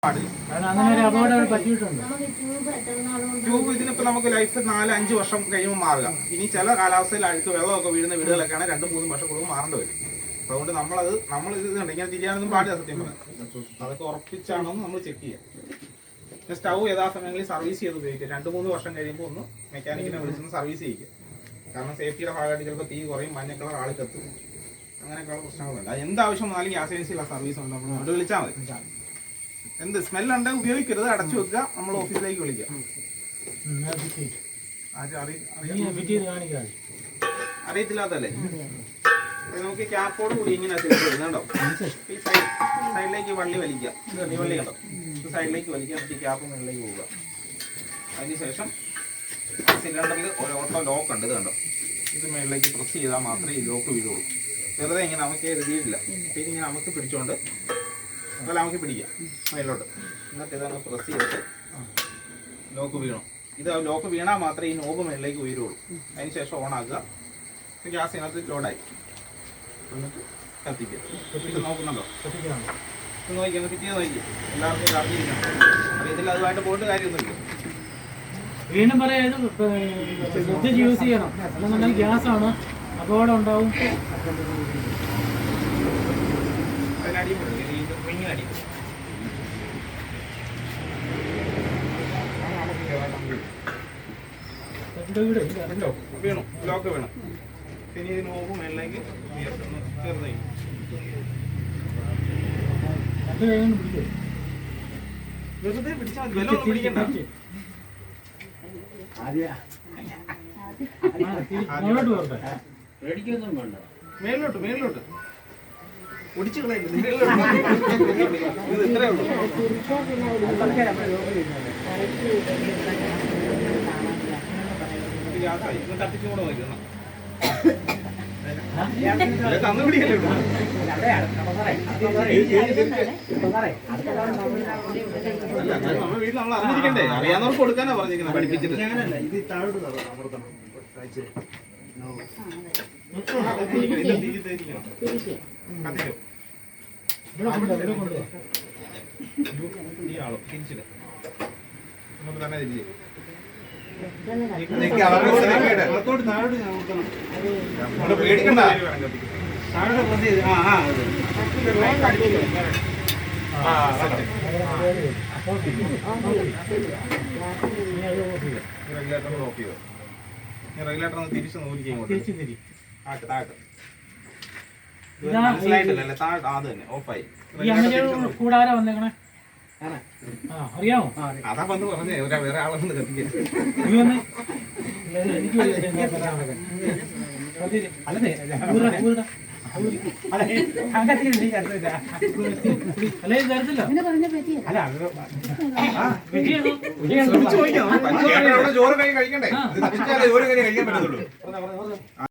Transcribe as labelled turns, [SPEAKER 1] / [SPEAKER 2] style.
[SPEAKER 1] Tube ഇതിനിപ്പോ നമുക്ക് life 4-5 വർഷം കഴിയുമ്പോൾ മാറുക. ഇനി ചില കാലാവസ്ഥയിൽ അഴുക്ക് വെള്ളമൊക്കെ വീഴുന്ന വീടുകളൊക്കെയാണ് 2-3 വർഷം കൂടുമ്പോൾ മാറേണ്ടി വരും. അതുകൊണ്ട് നമ്മൾ ഇത് കണ്ട് ഇങ്ങനെ തിരിയാനൊന്നും പാടില്ല. സത്യം പറഞ്ഞാൽ അതൊക്കെ ഉറപ്പിച്ചാണോ നമ്മൾ ചെക്ക് ചെയ്യാം. സ്റ്റൗ യഥാസമയങ്ങളിൽ സർവീസ് ചെയ്ത് ഉപയോഗിക്കുക. 2-3 വർഷം കഴിയുമ്പോൾ ഒന്ന് മെക്കാനിക്കിനെ വിളിച്ചൊന്ന് സർവീസ് ചെയ്യുക. കാരണം സേഫ്റ്റിയുടെ ഭാഗമായിട്ട് ചിലപ്പോൾ തീ കുറയും, മഞ്ഞ കളർ ആൾ കത്തും, അങ്ങനെയൊക്കെയുള്ള പ്രശ്നങ്ങളുണ്ട്. അത് എന്താവശ്യം വന്നാലും ഗ്യാസ് ഏജൻസിയുള്ള സർവീസ് ഉണ്ട്, നമ്മൾ അവിടെ വിളിച്ചാൽ മതി. എന്ത് സ്മെല്ലുണ്ടെങ്കിൽ ഉപയോഗിക്കരുത്, അടച്ചു വെക്കുക, നമ്മൾ ഓഫീസിലേക്ക് വിളിക്കുക. അറിയത്തില്ലാത്തല്ലേ? നമുക്ക് ക്യാപ്പോട് കൂടി ഇങ്ങനെ കണ്ടോ, ഈ സൈഡിലേക്ക് വള്ളി വലിക്കുക. ഈ വള്ളി കണ്ടോ, സൈഡിലേക്ക് വലിക്കുക, നമുക്ക് ഈ ക്യാപ്പ് മുകളിലേക്ക് പോവുക. അതിനുശേഷം സിലിണ്ടറിൽ ഒരു ഓട്ടോ ലോക്ക് ഉണ്ട്, ഇത് കണ്ടോ, ഇത് മുകളിലേക്ക് പ്രസ് ചെയ്താൽ മാത്രമേ ഈ ലോക്ക് വീഴുള്ളൂ. വെറുതെ ഇങ്ങനെ നമുക്ക് എഴുതിയിട്ടില്ല, പിന്നെ ഇങ്ങനെ നമുക്ക് പിടിച്ചോണ്ട് അതല്ല നമുക്ക് പിടിക്കാം മേലോട്ട്. എന്നിട്ട് ഇതങ്ങ് പ്രസ് ചെയ്തിട്ട് ലോക്ക് വീണു. ഇത് ലോക്ക് വീണാൽ മാത്രമേ ഈ നോബ് മേളിലേക്ക് ഉയരുള്ളൂ. അതിന് ശേഷം ഓണാക്കുക. ഗ്യാസ് ഇതിനകത്ത് ലോഡായി. എന്നിട്ട് കത്തിക്കുക. ഇത് നോക്കുന്നുണ്ടോ? ഇത് നോക്കിയാൽ ഫിറ്റ് നോക്കി എല്ലാവർക്കും ഇത് അറിഞ്ഞിരിക്കണം. അറിയത്തില്ല, അതുമായിട്ട് പോയിട്ട് കാര്യമൊന്നുമില്ല.
[SPEAKER 2] വീണ്ടും പറയാം, ശ്രദ്ധിച്ച് യൂസ് ചെയ്യണം. അല്ലെന്നുണ്ടെങ്കിൽ ഗ്യാസാണ്, അപകടം ഉണ്ടാവും.
[SPEAKER 1] വീണു, ലോക്ക് വീണു. പിന്നെ ഇത് നോക്കും മേളിലേക്ക് ചെറുതായി വെറുതെ പിടിച്ചാൽ മതി, വെള്ളം പിടിക്കണ്ട. മേളിലോട്ട് ഒടിച്ചു കളയുന്നത് ഇത് ഇത്രേ ഉള്ളൂ. ഗ്യാസായി കത്തിച്ചും കൂടെ നോക്കണം. തന്നു പിടിക്കല്ലേ നമ്മൾ വീട്ടിൽ നമ്മൾ അറിഞ്ഞിരിക്കണ്ടേ? അറിയാവുന്നവർക്ക് കൊടുക്കാനാ പറഞ്ഞിരിക്കുന്നത്, പഠിപ്പിച്ചിട്ട്. ഇത് താഴോട്ട് അമർത്തണം. തന്നെ തിരിച്ച് പേടിക്കണ്ട. റെഗുലേറ്റർ ഒന്ന് തിരിച്ച് നോക്കിക്കേ, മനസ്സിലായിട്ടില്ലല്ലേ? താഴെ അത് തന്നെ ഓഫായി.
[SPEAKER 2] കൂടാതെ വന്നേക്കണേ, അറിയാമോ?
[SPEAKER 1] അതാ വന്ന് പറഞ്ഞേ, വേറെ ആളൊന്ന് കത്തിക്കാൻ. ചോറ് കഴിക്കണ്ടേ? ഒരു കഴിക്കാൻ പറ്റത്തുള്ളൂ.